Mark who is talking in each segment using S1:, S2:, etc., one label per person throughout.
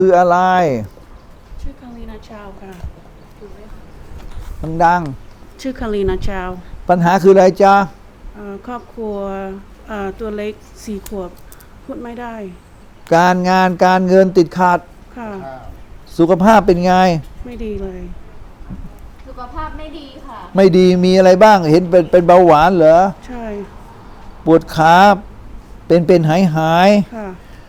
S1: คืออะไร
S2: ชื่อคารีนาชาวค่ะ
S1: ดัง
S2: ชื่อคารีนาชาว
S1: ปัญหาคืออะไรจ๊ะ
S2: ครอบครัวตัวเล็ก4 ขวบพูดไม่ได้
S1: การงานการเงินติดขัด
S2: ค่ะ
S1: สุขภาพเป็นไง
S2: ไม่ดีเลย
S3: สุขภาพไม่ดีค่ะ
S1: ไม่ดีมีอะไรบ้างเห็นเป็นเบาหวานเหรอ
S2: ใช่
S1: ปวดขาเป็นหาย
S2: ค่ะ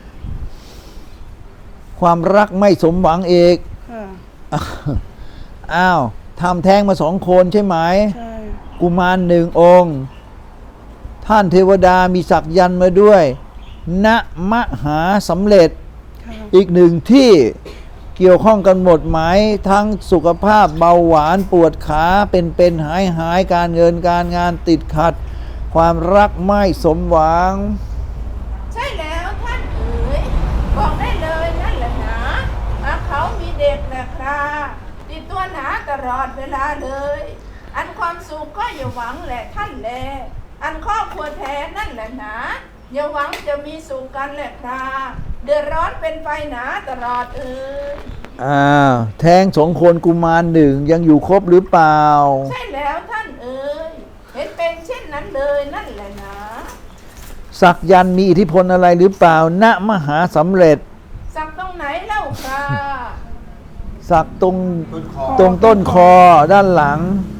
S1: ความรักไม่สมหวังเอก
S2: ค่ะ
S1: อ้าวทำแท้งมา2 คนใช่ไหม
S2: ใช่
S1: กุมาร1 องค์ท่านเทวดามีสักยันต์มาด้วยณมหาสำเร็จอีก1 ที่เกี่ยวข้องกันหมดไหมทั้งสุขภาพเบาหวานปวดขาเป็นหายการเงินการงานติดขัดความรักไม่สมหวัง
S4: ใช่แล้วท่านเอ๋ยบอกได้เลยนั่นแหละหนาเขามีเด็กแหละครับติดตัวหนาตลอดเวลาเลยอันความสุขก็อย่าหวังแหละท่านแลอันครอบครัวแท้นั่นแหละหนาอย่าหวังจะมีสุขกันแหละครับเดือดร้อนเป็นไฟหนาตลอดเอ๋ย
S1: แท้ง2 คนกุมาร1ยังอยู่ครบหรือเปล่า
S4: ใช่แล้วท่านเอ๋ยเห็นเป็นเช่นนั้นเลยนั่นแหละหนา
S1: สักยันต์มีอิทธิพลอะไรหรือเปล่าณมหาสำเร็จ
S4: สักตรงไหนเล่าครับ
S1: สักตรงต้นคอด้านหลัง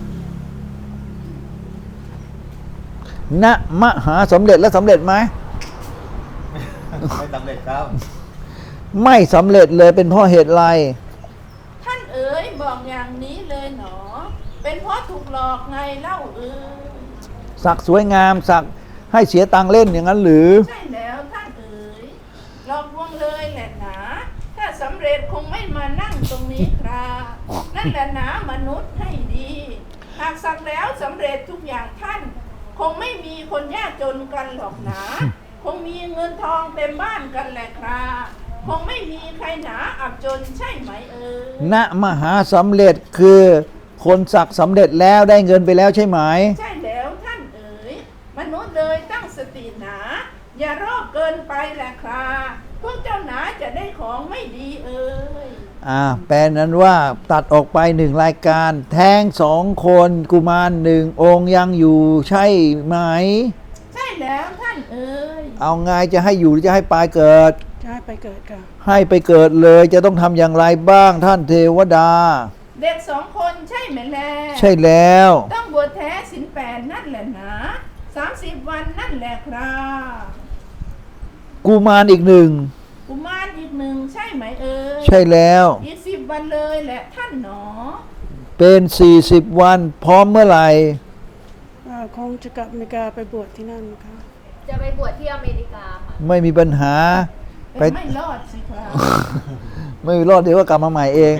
S1: ณมหาสำเร็จแล้วสำเร็จไหม
S5: ไม่สำเร็จครับ
S1: ไม่สำเร็จเลยเป็นเพราะเหตุไร
S4: ท่านเอ๋ยบอกอย่างนี้เลยหนอเป็นเพราะถูกหลอกไงเล่าเอ๋ย
S1: สักสวยงามสักให้เสียตังค์เล่นอย่างนั้นหรือ
S4: ใช่แล้วท่านเอ๋ยหลอกลวงเลยแหละหนาถ้าสำเร็จคงไม่มานั่งตรงนี้ครับนั่นแหละหนามนุษย์ให้ดีหากสักแล้วสำเร็จทุกอย่างท่านคงไม่มีคนยากจนกันหรอกหนาคงมีเงินทองเต็มบ้านกันแหละครับคงไม่มีใครหนาอับจนใช่ไหมเอ๋ย
S1: ณมหาสำเร็จคือคนสักสำเร็จแล้วได้เงินไปแล้วใช่ไหม
S4: ใช่แล้วท่านเอ๋ยมนุษย์เลยตั้งสติหนาอย่าโรคเกินไปแหละครับพวกเจ้าหนาจะได้ของไม่ดีเอ๋ย
S1: แปลนั้นว่าตัดออกไป1 รายการแท้ง2 คนกุมาร1 องค์ยังอยู่ใช่ไหม
S4: ใช่แล้วท่านเอ๋ย
S1: เอาไงจะให้อยู่หรือจะให้ปลายเกิด
S2: จะให้ไปเกิดค่ะ
S1: ให้ไปเกิดเลยจะต้องทำอย่างไรบ้างท่านเทวดา
S4: เด็ก2 คนใช่ไหมแล
S1: ใช่แล้ว
S4: ต้องบวชแท้ศีล8นั่นแหละนะ30 วันนั่นแหละครับ
S1: กุมารอีก1
S4: กุมารอีก1ใช่ไหมเอ๋ย
S1: ใช่แล้ว
S4: อีก10 วันเลยแหละท่านหนอ
S1: เป็น40 วันพร้อมเมื่อไหร่
S2: คงจะกลับอเมริกาไปบวชที่นั่นค่ะ
S3: จะไปบวชที่อเมริกาค่ะ
S1: ไม่มีปัญหา
S4: ไม่รอดสิครับ
S1: ไม่รอดเดี๋ยวก็กลับมาใหม่เอง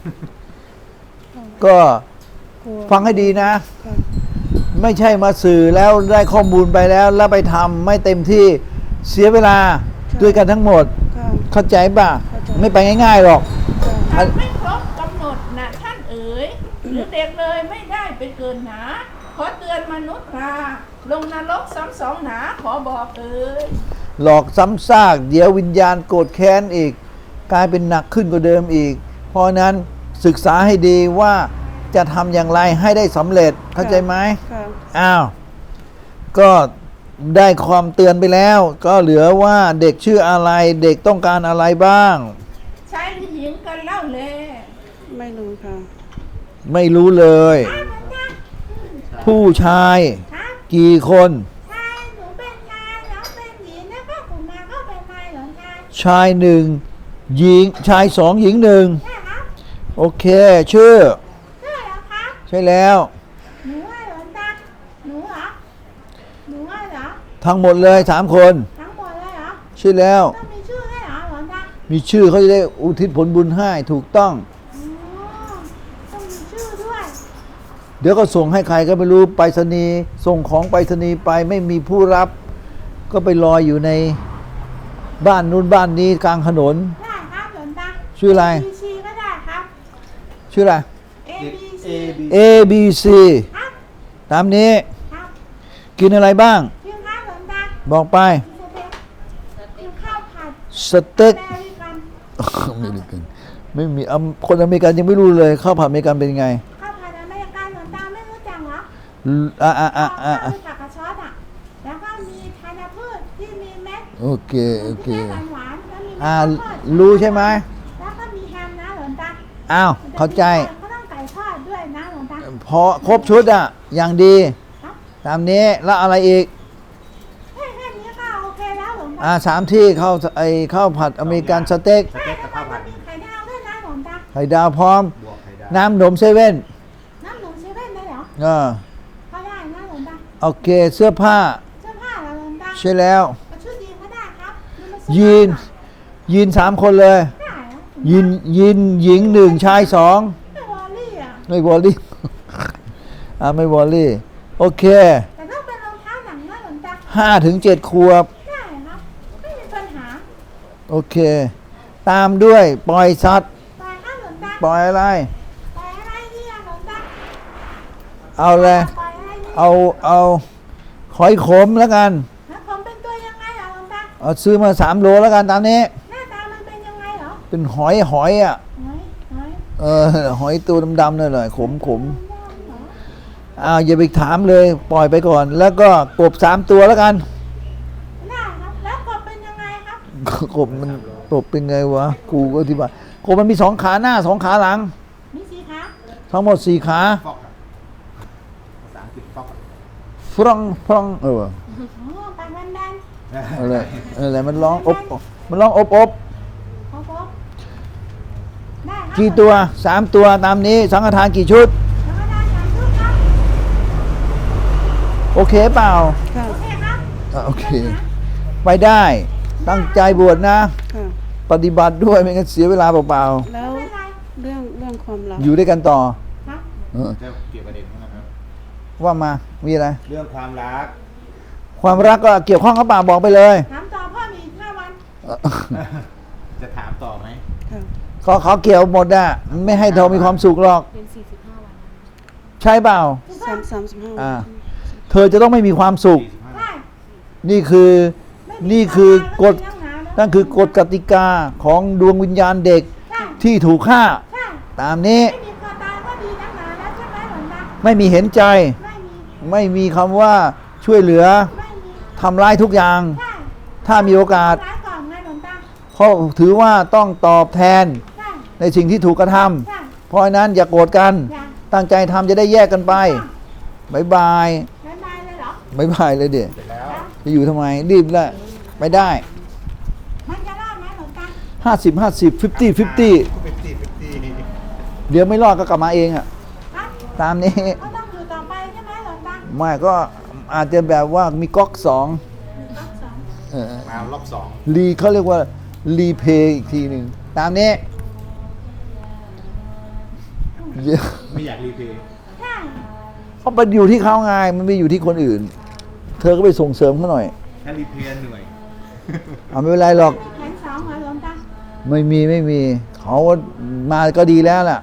S1: ก็ฟังให้ดีนะไม่ใช่มาสื่อแล้วได้ข้อมูลไปแล้วไปทำไม่เต็มที่เสียเวลาด้วยกันทั้งหมดเข้าใจป่ะไม่ไปง่ายๆหรอก
S4: ไม่ครบกำหนดนะท่านเอ๋ยหรือเด็กเลยไม่ได้ไปเกินหนาขอเตือนมนุษย์ราลงนรกซ้ำ2หนาขอบอกเอ๋ย
S1: หลอกซ้ำซากเดี๋ยววิญญาณโกรธแค้นอีกกลายเป็นหนักขึ้นกว่าเดิมอีกเพราะนั้นศึกษาให้ดีว่าจะทำอย่างไรให้ได้สำเร็จเข้าใจไหมก็ได้ความเตือนไปแล้วก็เหลือว่าเด็กชื่ออะไรเด็กต้องการอะไรบ้าง
S4: ชายหรือหญิงกันเล่าเลย
S2: ไม่รู้ค่ะ
S1: ไม่รู้เลยผู้ชายกี่คน
S4: ชายหนูเป็นชายน้องเป็นหญิงแล้วก็กุมารก็เป็นชายเหรอ
S1: ชาย1 หญิงชาย2 หญิง1
S4: ใช่ครับ
S1: โอเคชื่อ
S4: ใช่แล้วครับ
S1: ใช่แล้ว
S4: หนูว่าเหรอตาหนูเหรอหนูว่าเหรอ
S1: ทั้งหมดเลย3 คน
S4: ทั้งหมดเลยเหรอ
S1: ใช่แล้ว
S4: ต้องมีชื่อให้เหรอหลวงตา
S1: มีชื่อเขาจะได้อุทิศผลบุญให้ถูกต้อง
S4: ต้องมีชื่อด้วย
S1: เดี๋ยวก็ส่งให้ใครก็ไม่รู้ไปรษณีย์ส่งของไปรษณีย์ไปไม่มีผู้รับก็ไปลอยอยู่ในบ้านนู้นบ้านนี้กลางถนน
S4: ได้ครับหลวงตา
S1: ชื่ออะไร
S4: ABC ก็ได้ครับ
S1: ชื่ออะไร A B C ตามนี้กินอะไรบ้าง
S4: กินข้าวหลวงตา
S1: บอกไป
S4: กินข้าวผัด
S1: สเต็กอเมริกันไม่มีคนอเมริกันยังไม่รู้เลยข้าวผัดอเมริกันเป็นไง
S6: ข้าวผัดอเมริกันหลวงตาไม่รู้จักเหรอ
S1: อ่า
S6: รู้จักกระชอตอ่ะแล้วก็มีธัญพืชที่มีเม็ด
S1: โอเคโอเค
S6: ที่หวานๆแล้วมีเม็ดข้าวโพด
S1: รู้ใช่ไหม
S6: แล้วก็มีแฮมนะหลวงตา
S1: อ้าวเข้าใจ
S6: ก็ต้องไก่ทอดด้วยนะหลวงตา
S1: พอครบชุดอ่ะอย่างดี
S6: ครับ
S1: ตามนี้แล้วอะไรอีก
S6: แค่นี้ก็โอเคแล้วหลวงตา
S1: 3 ที่ข้าวผัดอเมริกันสเต็ก
S5: สเต็กกับข้าวผัด
S6: มีไข่ดาวด้วยนะหลวงตา
S1: ไข่ดาวพร้อม
S5: บวกไข่ดาว
S1: น้ำนมเซเว่น
S6: น้ำหนูเซเว่นได้เหรอ ก็ได้นะหลวงตา
S1: โอเคเสื้อผ้า
S6: เสื้อผ้าเหรอหลวงตา
S1: ใช่แล้ว
S6: ชุดยีนก็ได้ครับ
S1: ยีน3 คนเลย
S6: ได้เหรอ
S1: ยีนหญิง 1 ชาย 2
S6: ไม่วอลลี่อ่ะ
S1: ไม่วอลลี่ ไม่วอลลี่ โอเค
S6: แต่ต้องเป็นรองเท้าหนังนะหลวงตา
S1: 5 ถึง 7 ขวบ
S6: ได้ครับไม่มีปัญหา
S1: โอเค ตามด้วยปล่อยสัตว์
S6: ไปครับหลวงตา
S1: ปล่อยอะไร
S6: ไปอะไรดีอะหลวงตา
S1: เอาเลย
S6: ไปอะไรดี
S1: เอาหอยขมแล้วกัน
S6: แล้วผมเป็นตัวยังไงอะหลวงตา
S1: เอาซื้อมา3 โลแล้วกันตามนี้
S6: หน้าตามันเป็นยังไงเหรอ
S1: เป็นหอยอ่ะ
S6: หอย
S1: หอยตัวดำๆนั่นแหละขม
S6: เหรอ
S1: อย่าไปถามเลยปล่อยไปก่อน แล้วก็กบ3 ตัวแล้วกัน
S6: ได้ครับแล้วกบเป็นยังไงครับ
S1: กบมันเป็นไงวะกูก็ที่บ้านกบมันมี2 ขาหน้า 2 ขาหลัง
S6: มีสีขา
S1: ทั้งหมด4 ขา
S5: ฟอกอะภาษาอังกฤษฟอกอะ
S1: ฟรัง
S6: ปากแบน
S1: อะไรมันร้องอบมันร้องอบ
S6: ๆครับผมได้ครับ
S1: กี่ตัว3 ตัวตามนี้สังฆทานกี่ชุด
S6: แล้วก็ได้สามชุดครับ
S1: โอเคเปล่า
S2: ค่ะ
S6: โอเคครับ
S1: โอเค ไปได้ ตั้งใจบวชนะ
S2: ค่ะ
S1: ปฏิบัติด้วยไม่งั้นเสียเวลาเปล่า
S2: แล้ว
S6: ไม่เป็นไร
S2: เรื่องความรัก
S1: ๆอยู่ด้วยกันต่อ
S6: ครับ
S5: จะเกี่ยวประเด็นนั้นนะครับ
S1: ว่ามามีอะไร
S5: เรื่องความรัก
S1: ความรักก็เกี่ยวข้องกับเปล่าบอกไปเลย
S6: ถามต่อพ่อมีอีก5 วัน
S5: จะถามต่อไหม
S2: ค่ะ
S1: เขาเกี่ยวหมดอ่ะไม่ให้เรามีความสุขหรอก
S3: เป็น 45 วัน
S1: ใช่เปล่า
S2: 35
S1: อ่า เธอจะต้องไม่มีความสุข
S6: ใช่
S1: นี่คือนี่คือกฎ
S6: ไม่มีปัญหาแล้ว
S1: นั่นคือกฎกติกาของดวงวิญญาณเด็ก
S6: ใช่
S1: ที่ถูกฆ่า
S6: ใช่
S1: ตามนี้
S6: ไม่มีความตายก็ดีนักหนาแล้วใช่ไหมหลวงตา
S1: ไม่มีเห็นใจ
S6: ไม่มี
S1: ไม่มีคำว่าช่วยเหลือ
S6: ไม่มี
S1: ทำร้ายทุกอย่าง
S6: ใช่
S1: ถ้ามีโอกาส
S6: ร้ายก่อนไงหลวงตา
S1: เพราะถือว่าต้องตอบแทน
S6: ใช่
S1: ในสิ่งที่ถูกกระทำ
S6: ใช่
S1: เพราะฉะนั้นอย่าโกรธกัน
S6: อย่า
S1: ตั้งใจทำจะได้แยกกันไปบายบาย
S6: บ๊ายบายเลยเหรอ
S1: บ๊ายบายเลยเด็ก
S5: เสร็จแล้ว
S1: จะอยู่ทำไมรีบละไปได้
S6: มันจะรอดไหมหลวงตา
S1: 50 50 50 เดี๋ยวไม่รอดก็กลับมาเองอ่ะ
S6: ครับ
S1: ตามนี้
S6: ก็ต้องอยู่ต่อไปใช่ไหมหลวงตา
S1: ไม่ก็อาจจะแบบว่ามีก๊อก2
S6: รอบสอง
S5: มารอบสอง
S1: รีเขาเรียกว่ารีเพย์อีกทีหนึ่งตามนี้เดี๋ยว
S5: ไม่อยากรีเพย์
S6: ใช่
S1: เขาไปอยู่ที่เขาไงมันไม่อยู่ที่คนอื่น เธอก็ไปส่งเสริมเขาหน่อย
S5: ถ้ารีเพย์เหนื่อย
S1: เอาไม่เป็นไรหรอก
S6: แผน2เหรอหลวงตา
S1: ไม่มีเขามาก็ดีแล้วล่ะ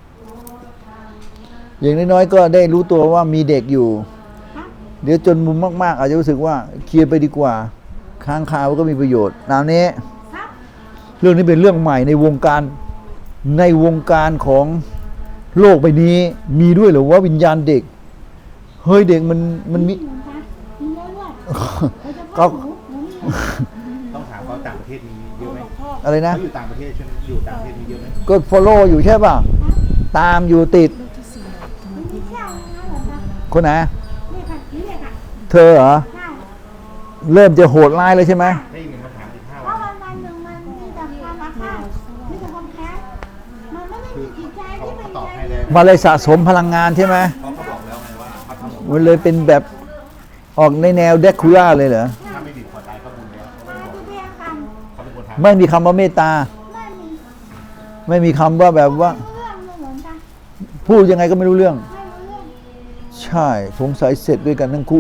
S1: อย่างน้อยๆก็ได้รู้ตัวว่ามีเด็กอยู่
S6: ครับ
S1: เดี๋ยวจนมุมมากๆ อาจจะรู้สึกว่าเคลียร์ไปดีกว่า ค้างคาวก็มีประโยชน์ตามนี้
S6: ครับ
S1: เรื่องนี้เป็นเรื่องใหม่ในวงการของโลกใบนี้ มีด้วยเหรือว่าวิญญาณเด็ก เฮ้ยเด็กมันมี
S6: หลวงตามีเรื่อยๆ
S1: ก็
S6: หนูมี
S5: ต้องถามเขาต่างประเทศมีเยอะไหม
S1: อะไรนะ
S5: เขาอยู่ต่างประเทศใช่ไหมอยู่ต่างประเทศมีเยอะไหม
S1: ก็ follow อยู่ใช่ป่ะ ตามอยู่ติด
S6: มันมีแค่อะไรนะหลวงตา
S1: คนไหน
S6: นี่ค่ะนี่เลยค่ะ
S1: เธอเหรอ
S6: ใช่
S1: เริ่มจะโหดร้ายเลยใช่ไหม
S5: ได้ยินมาถาม15
S6: เพ
S5: วั
S6: ราะ
S5: น
S6: วันๆหนึ่งมันมีแต่ความอาฆาตมีแต่ความแค้นมันไม่ได้มีจิตใจ
S5: เขา
S6: ที่เป็น
S5: ตอบ
S6: ใจ
S5: ให้
S6: ดี
S5: เลย
S1: มาเลยสะสมพลังงานใช่ไหม
S5: เขาก็บอกแล้วไงว่าเขาทำ
S1: มันเลยเป็นแบบออกในแนวเดคูล่าเลยเหรอ
S5: ถ้าไม่ดีพอตายก็บุญแล้ว
S6: มาที่เรียงกัน
S5: เขาเป็นคนทำ
S1: ไม่มีคำว่าเมตตา
S6: ไม่มี
S1: ไม่มีคำว่าแบบว่า
S6: เรื่องเลยหลวงตา
S1: พูดยังไงก็ไม่รู้เรื่อง
S6: ไม่รู้เรื่อง
S1: ใช่สงสัยเสร็จด้วยกันทั้งคู่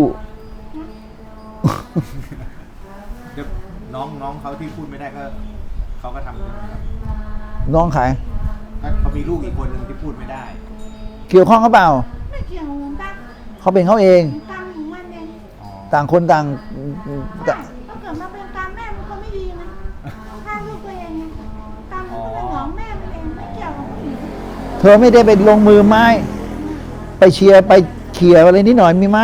S5: เดี๋ยวน้องเขาที่พูดไม่ได้ก็เขาก็ทำใช่ไหมครับ
S1: น้องขาย
S5: ก็เขามีลูกอีกคนหนึ่งที่พูดไม่ได้
S1: เกี่ยวข้องเขาเปล่า
S6: ไม่เกี่ยวหลวงตา
S1: เขาเป็นเขาเอง
S6: กรรมของมันเอง
S5: อ๋อ
S1: ต่างคนต่าง
S6: ถ้าเกิดมาเป็นกรรมแม่มันก็ไม่ดีนะฆ่าลูกตัวเองไงกรรมมันก็เป็น
S1: เธอไม่ได้ไปลงมือไม้ ไปเชียร์ไปเขี่ยอะไรนิดหน่อยมีไหม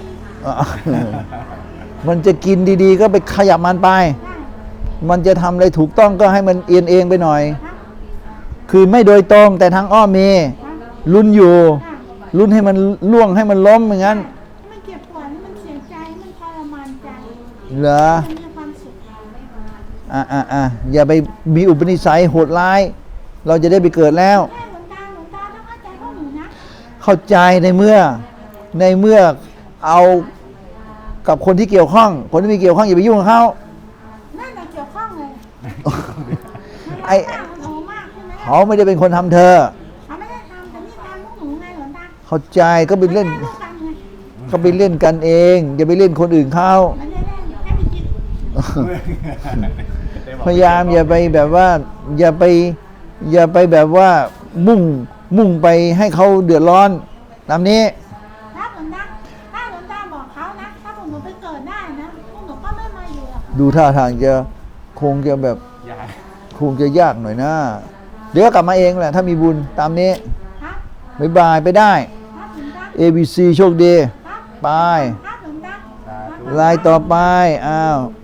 S1: มันจะกินดีๆ ก็ไปขยับมันไป มันจะทำอะไรถูกต้องก็ให้มันเอียงเองไปหน่อย คือไม่โดยตรงแต่ทางอ้อมมีลุ้นอยู่ลุ้นให้มันล่วงให้มันล้มอย่างนั้น
S6: มันเจ็บปวดมันเสียใจมันทรมานใจ
S1: เหรอ
S6: มันมีความสุข
S1: อย่าไปมีอุปนิสัยโหดร้าย เราจะได้ไปเกิดแล้ว
S6: แค่หลวงตาต้องเข้าใจพวกหนูนะ
S1: เข้าใจในเมื่อเอากับคนที่เกี่ยวข้อง คนที่มีเกี่ยวข้องอย่าไปยุ่งกับเขา
S6: นั่นแหละเกี่ยวข้องเลย
S1: ไอ้
S6: มันโหมากใช่ไหม
S1: เขาไม่ได้เป็นคนทำเธอ
S6: เขาไม่ได้ทำแต่นี่ทำพวกหนูไงหลวงตา
S1: เข้าใจก็ไปเล่น
S6: ไม่ได้ทำไง
S1: ก็ไปเล่นกันเอง อย่าไปเล่นคนอื่นเขา
S6: มันได้เล่นแค่ไปกิน
S1: พยายามอย่าไปแบบว่า อย่าไปแบบว่ามุ่งไปให้เขาเดือดร้อนตามนี้
S6: ถ้าหลวงตาบอกเขานะ ถ้าพวกหนูไปเกิดได้นะ พวกหนูก็ไม่มาอยู่หรอก
S1: ดูท่าทางจะคงจะแบบ
S5: ยาย
S1: คงจะยากหน่อยนะ เดี๋ยวก็กลับมาเองแหละ ถ้ามีบุญตามนี้
S6: ครับ
S1: บ๊ายบายไปได้
S6: ครับหลวงตา
S1: ABC โชคดี
S6: ครับ
S1: ไป
S6: ครับหลวงตา
S1: ลายต่อไป อ้าว